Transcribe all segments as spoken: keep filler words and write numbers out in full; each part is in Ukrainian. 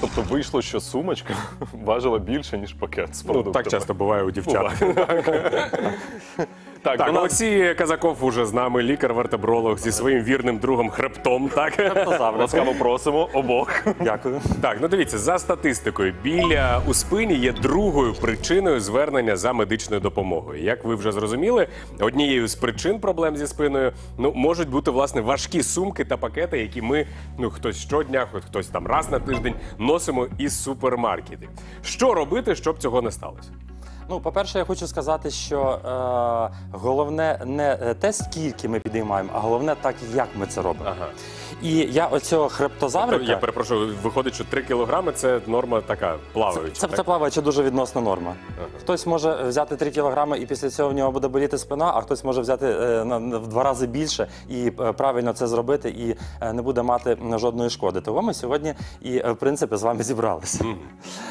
Тобто вийшло, що сумочка важила більше, ніж пакет з Ну, продуктами. так часто буває у дівчат. Так, Так, до нас- Олексій Казаков уже з нами, лікар-вертебролог зі своїм вірним другом хребтом. Так? ласкаво просимо обох. Дякую. Так, ну дивіться, за статистикою, біля у спині є другою причиною звернення за медичною допомогою. Як ви вже зрозуміли, однією з причин проблем зі спиною ну, можуть бути, власне, важкі сумки та пакети, які ми, ну, хтось щодня, хтось там раз на тиждень носимо із супермаркетів. Що робити, щоб цього не сталося? Ну, по-перше, я хочу сказати, що е, головне не те, скільки ми підіймаємо, а головне так, як ми це робимо. Ага. І я оцього хребтозаврика... Я перепрошую, виходить, що три кілограми – це норма така плаваюча. Це, це, так? це плаваюча дуже відносна норма. Ага. Хтось може взяти три кілограми і після цього в нього буде боліти спина, а хтось може взяти е, на, на, в два рази більше і е, правильно це зробити, і е, не буде мати жодної шкоди. Того ми сьогодні і, е, в принципі, з вами зібралися. Mm.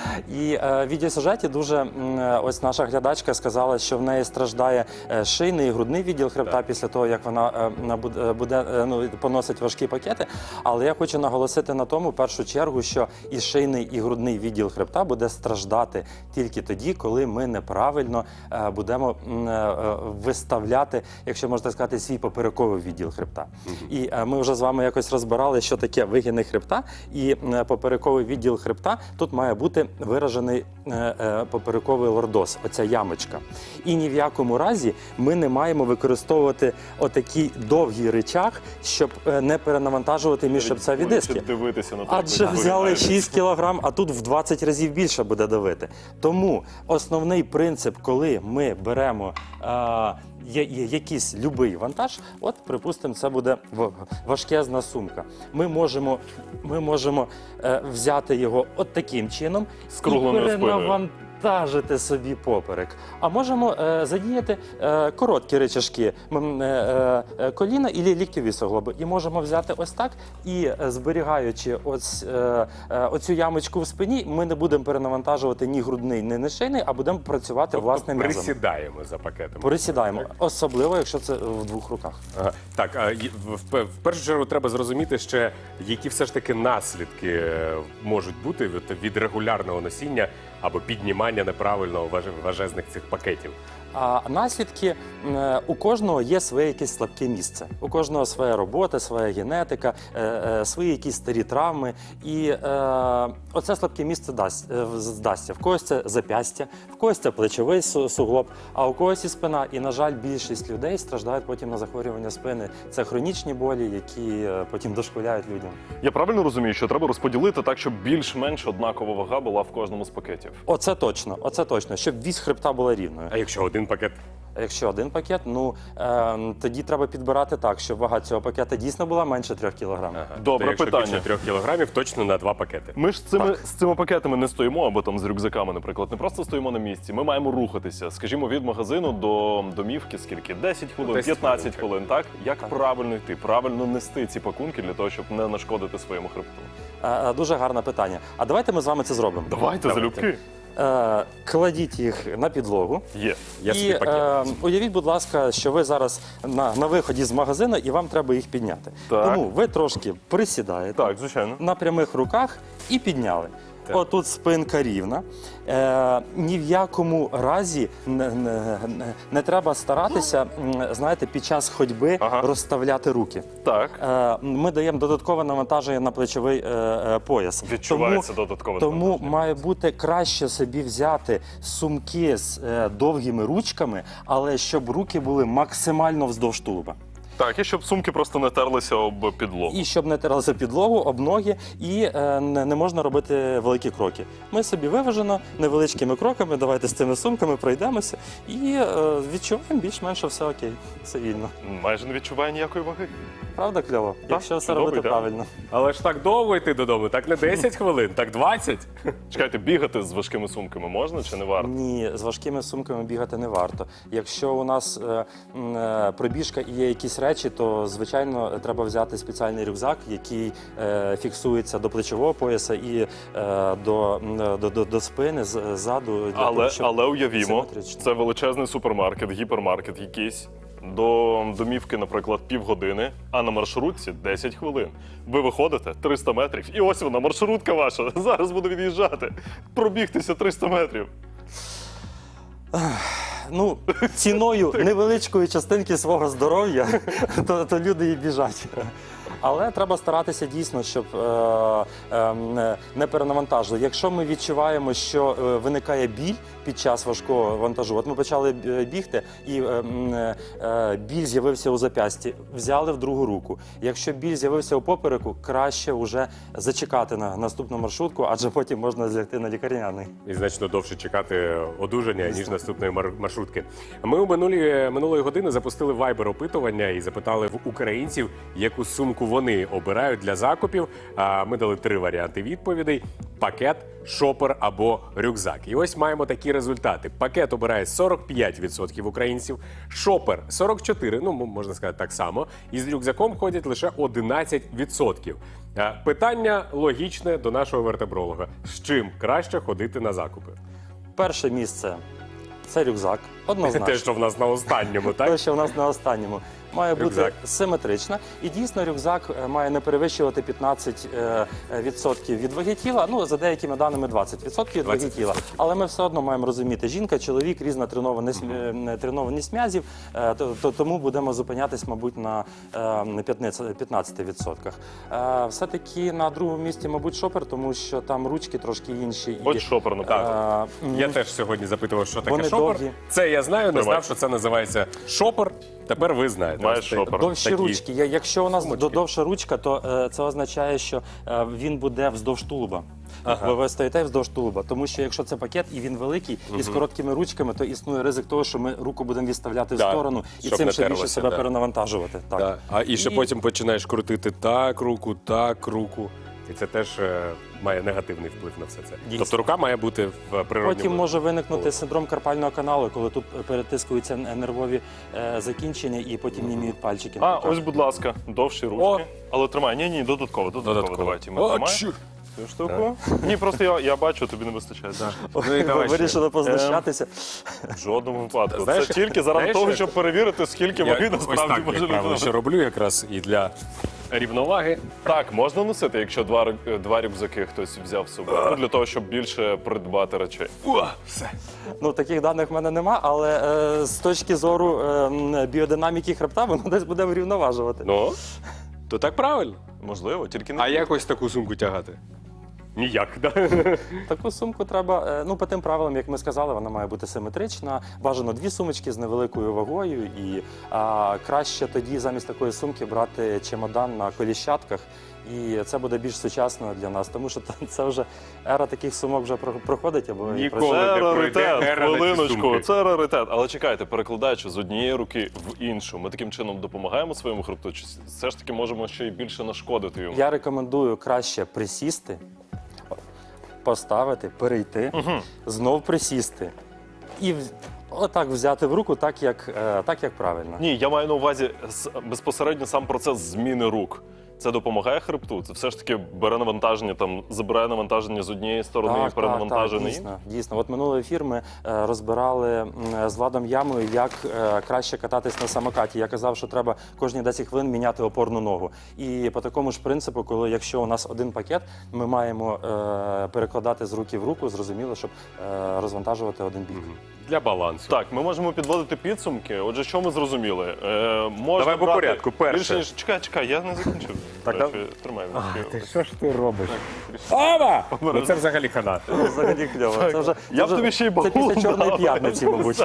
І е, в відеосюжеті дуже, м, ось наша глядачка сказала, що в неї страждає е, шийний і грудний відділ хребта Так. після того, як вона е, буде, буде е, ну, поносить важкі пакети. Але я хочу наголосити на тому, в першу чергу, що і шийний, і грудний відділ хребта буде страждати тільки тоді, коли ми неправильно е, будемо м, е, виставляти, якщо можна сказати, свій поперековий відділ хребта. Mm-hmm. І е, ми вже з вами якось розбирали, що таке вигини хребта і е, поперековий відділ хребта. Тут має бути виражений е, е, поперековий лордоз, оця ямочка. І ні в якому разі ми не маємо використовувати отакий довгий ричаг, щоб е, не перенавантажувати міжшипцеві диски. Дивитися на те, Адже як ви взяли виглядаєте. шість кілограм, а тут в двадцять разів більше буде давити. Тому основний принцип, коли ми беремо а, є, є, якийсь любий вантаж, от, припустимо, це буде в- важкезна сумка. Ми можемо, ми можемо е, взяти його от таким чином З і кругленою спиною. перенавантажити собі поперек. А можемо е, задіяти е, короткі ричажки м, е, е, коліна і ліктьові суглоби. І можемо взяти ось так і, е, зберігаючи ось, е, е, оцю ямочку в спині, ми не будемо перенавантажувати ні грудний, ні не шийний, а будемо працювати Тобто власним м'язом. присідаємо за пакетом. Присідаємо, Так? особливо, якщо це в двох руках. Ага. Так, а й- в, в, в першу чергу треба зрозуміти ще, які все ж таки наслідки е, можуть бути від, від регулярного носіння або піднімання неправильно важ- важезних цих пакетів. А наслідки е, у кожного є своє якесь слабке місце. У кожного своя робота, своя генетика, е, е, свої якісь старі травми. І е, оце слабке місце дасть, е, здасться. В когось це зап'ястя, в когось це плечовий су- суглоб, а у когось і спина. І, на жаль, більшість людей страждають потім на захворювання спини. Це хронічні болі, які е, потім дошкуляють людям. Я правильно розумію, що треба розподілити так, щоб більш-менш однакова вага була в кожному з пакетів? Оце точно, оце точно, щоб вісь хребта була рівною. А якщо один пакет? А якщо один пакет, ну е, тоді треба підбирати так, щоб вага цього пакета дійсно була менше трьох кілограмів. Ага. Добре То якщо питання. більше трьох кілограмів, точно на два пакети. Ми ж з цими, Так. з цими пакетами не стоїмо, або там з рюкзаками, наприклад, не просто стоїмо на місці. Ми маємо рухатися, скажімо, від магазину до домівки скільки? десять хвилин, десять п'ятнадцять хвилин, хвилин, так? Як Так. правильно йти, правильно нести ці пакунки для того, щоб не нашкодити своєму хребту? Е, е, дуже гарне питання. А давайте ми з вами це зробимо. Давайте, залюбки. Е, кладіть їх на підлогу. Є. Я І собі пакет. е, уявіть, будь ласка, що ви зараз на, на виході з магазину і вам треба їх підняти. Так. Тому ви трошки присідаєте Так, звичайно. на прямих руках і підняли. Так. Отут спинка рівна. Е, ні в якому разі не, не, не, не треба старатися, м, знаєте, під час ходьби Ага. розставляти руки. Так. Е, ми даємо додаткове навантаження на плечовий е, е, пояс. Відчувається тому, додаткове Тому навантаження. має бути краще собі взяти сумки з е, довгими ручками, але щоб руки були максимально вздовж тулуба. Так, і щоб сумки просто не терлися об підлогу. І щоб не тиралися підлогу, об ноги, і е, не, не можна робити великі кроки. Ми собі виважено, невеличкими кроками, давайте з цими сумками пройдемося і е, відчуваємо більш-менш, що все окей, все вільно. Майже не відчуває ніякої ваги. Правда, кльово? Якщо все чудово, робити ідеально. правильно. Але ж так довго йти додому, так не десять хвилин, так двадцять. Чекайте, бігати з важкими сумками можна чи не варто? Ні, з важкими сумками бігати не варто. Якщо у нас е, м, е, пробіжка і є якісь речі, то, звичайно, треба взяти спеціальний рюкзак, який е, фіксується до плечового пояса і е, до, м, до, до, до спини, з- ззаду. Для Але, того, щоб але уявімо, симетрично. це величезний супермаркет, гіпермаркет якийсь. До домівки, наприклад, півгодини, а на маршрутці десять хвилин. Ви виходите триста метрів, і ось вона, маршрутка ваша. Зараз буду від'їжджати. Пробігтися триста метрів. Ну, ціною невеличкої частинки свого здоров'я, то, то люди і біжать. Але треба старатися дійсно, щоб е, е, не перенавантажили. Якщо ми відчуваємо, що е, виникає біль під час важкого вантажу, от ми почали бігти, і е, е, біль з'явився у зап'ясті, взяли в другу руку. Якщо біль з'явився у попереку, краще вже зачекати на наступну маршрутку, адже потім можна злягти на лікарняний. І значно довше чекати одужання, ніж наступної мар- маршрутки. Ми у минулі, минулої години запустили вайбер-опитування і запитали в українців, яку сумку вони обирають для закупів. А ми дали три варіанти відповідей: пакет, шопер або рюкзак. І ось маємо такі результати. Пакет обирає сорок п'ять відсотків українців, шопер сорок чотири відсотки, ну, можна сказати так само, і з рюкзаком ходять лише одинадцять відсотків. А, Питання логічне до нашого вертебролога. З чим краще ходити на закупи? Перше місце – це рюкзак, однозначно. Те, що в нас на останньому, так? Те, що в нас на останньому. Має Рюкзак. бути симетрична. І дійсно рюкзак е, має не перевищувати п'ятнадцять відсотків від ваги тіла, ну, за деякими даними двадцять відсотків від ваги двадцять тіла. відсотків. Але ми все одно маємо розуміти, жінка, чоловік, різна тренованість, mm-hmm. тренованість м'язів, е, то, то, тому будемо зупинятись, мабуть, на е, п'ятнадцяти відсотках. Е, все-таки на другому місці, мабуть, шопер, тому що там ручки трошки інші. Ось шопер, наприклад. Е, м, Я теж сьогодні запитував, що таке Вони шопер. довгі. Це я знаю, не Тримай. знав, що це називається шопер. Тепер ви знаєте. Маєш Ось це шопер. Довші такі. ручки. Я- Якщо у нас Сумочки. до- довша ручка, то е, це означає, що е, він буде вздовж тулуба. Ага. Ви, ви стоїте вздовж тулуба. Тому що якщо це пакет і він великий, і з короткими ручками, то існує ризик того, що ми руку будемо відставляти в Да, сторону і щоб цим не ще більше терлося, себе да. перенавантажувати. Так. Да. А і ще І- потім починаєш крутити так руку, так руку. І це теж е, має негативний вплив на все це. Дійсно. Тобто рука має бути в природньому. Потім може виникнути О. синдром карпального каналу, коли тут перетискуються н- нервові е, закінчення і потім німіють пальчики. А, ось, будь ласка, довші ручки. О. Але тримай, ні, ні, додатково, додатково, Додатково. давайте. Ми О, тримаємо чур. цю штуку. Ні, просто я, я бачу, тобі не вистачає. Ну і давай ще. Вирішили познущатися. В жодному випадку. Знаєш, Це тільки заради знаєш, того, як- щоб перевірити, скільки ваги Я ось насправді так, може як правило, людина. ще роблю якраз і для рівноваги. Так, можна носити, якщо два, рю- два рюкзаки хтось взяв з собою. Ну, для того, щоб більше придбати речей. О, все. Ну, таких даних в мене нема, але е, з точки зору е, м, біодинаміки хребта, воно десь буде врівноважувати. Ну, то так правильно. Можливо, тільки не А як ось таку сумку тягати? Ніяк, да? Таку сумку треба, е, ну, по тим правилам, як ми сказали, вона має бути симетрична. Бажано дві сумочки з невеликою вагою. І а, краще тоді замість такої сумки брати чемодан на коліщатках. І це буде більш сучасно для нас, тому що це вже ера таких сумок вже про- проходить. Або і Ніколи. пройшла. Це не пройде раритет, ера на ці хвилиночку, сумки. це раритет. Але чекайте, перекладаючи з однієї руки в іншу, ми таким чином допомагаємо своєму хребту, чи все ж таки можемо ще й більше нашкодити йому? Я рекомендую краще присісти, поставити, перейти, знов присісти. І в- отак взяти в руку, так як, е, так, як правильно. Ні, я маю на увазі с- безпосередньо сам процес зміни рук. Це допомагає хребту? Це все ж таки бере навантаження, там забирає навантаження з однієї сторони і Так, так, перенавантаження так, іншою? дійсно, дійсно. От минулий ефір ми е, розбирали м, з Владом Ямою, як е, краще кататись на самокаті. Я казав, що треба кожні десять хвилин міняти опорну ногу. І по такому ж принципу, коли якщо у нас один пакет, ми маємо е, перекладати з руки в руку, зрозуміло, щоб е, розвантажувати один бік. Для балансу. Так, ми можемо підводити підсумки. Отже, що ми зрозуміли? Е, можна Давай по брати порядку. Перше. Більше, ніж... Чекай, чекай, я не закінчив. Так, До речі, тримай. Ти що ж ти робиш? Ова! Ну це взагалі хана. Взагалі кльово. Це вже, Я б це, тобі ще й вже, це балон після Чорної дав. п'ятниці, мабуть.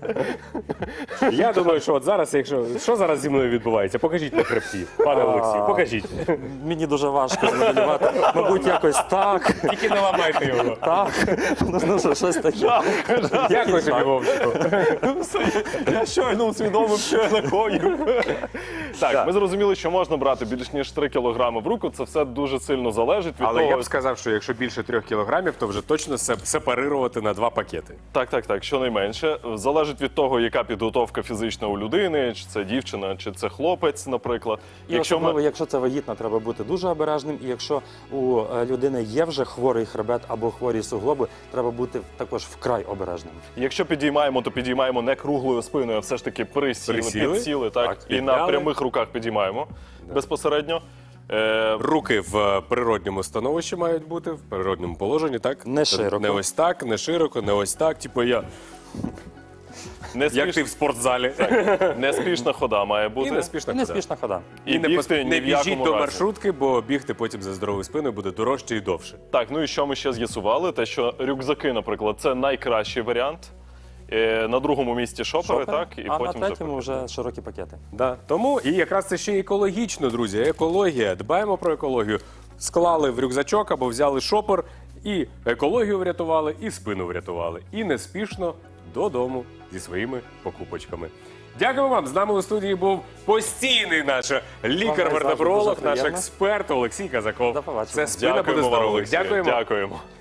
Я думаю, що от зараз, якщо що зараз зі мною відбувається, покажіть на хребті, пане Олексію, покажіть. Мені дуже важко змоделювати. Мабуть, якось так, Тільки не ламайте його. так. Ну, ну, що, щось таке. Дякую тобі, Вовчику. Я щойно усвідомив, що я накоїв. Так, ми зрозуміли, що можна брати більш ніж три кілограми в руку. Це все дуже сильно залежить від Але того. я б сказав, що якщо більше трьох кілограмів, то вже точно се- сепарирувати на два пакети. Так, так, так, щонайменше. Залежить від того, яка підготовка фізична у людини, чи це дівчина, чи це хлопець, наприклад. І Якщо особливо, ми... якщо це вагітна, треба бути дуже обережним. І якщо у е, людини є вже хворий хребет або хворі суглоби, треба бути також вкрай обережним. Якщо якщо підіймаємо, то підіймаємо не круглою спиною, а все ж таки присіли, Присіли. підсіли, так, Так, і на підняли. прямих руках підіймаємо безпосередньо. Е, Руки в природньому становищі мають бути, в природньому положенні, так? Не широко. Не ось так, не широко, не ось так. Типу я, не, як ти спіш... в спортзалі. неспішна хода має бути. І неспішна І не хода. спішна хода. І І не, бігти пос- ні не в біжіть якому до разі. маршрутки, бо бігти потім за здоровою спиною буде дорожче і довше. Так, ну і що ми ще з'ясували? Те, що рюкзаки, наприклад, це найкращий варіант. Е, на другому місці шопери, Шопери, так? І а потім на вже третьому вже широкі пакети. Да. Тому і якраз це ще й екологічно, друзі. Екологія. Дбаємо про екологію. Склали в рюкзачок або взяли шопер, і екологію врятували, і спину врятували. І неспішно додому зі своїми покупочками. Дякую вам. З нами у студії був постійний наш лікар-вертебролог, Дуже наш приємно. експерт Олексій Казаков. До побачення. Це спина буде Дякуємо вам, здоровою. Олексію. Дякуємо. Дякуємо.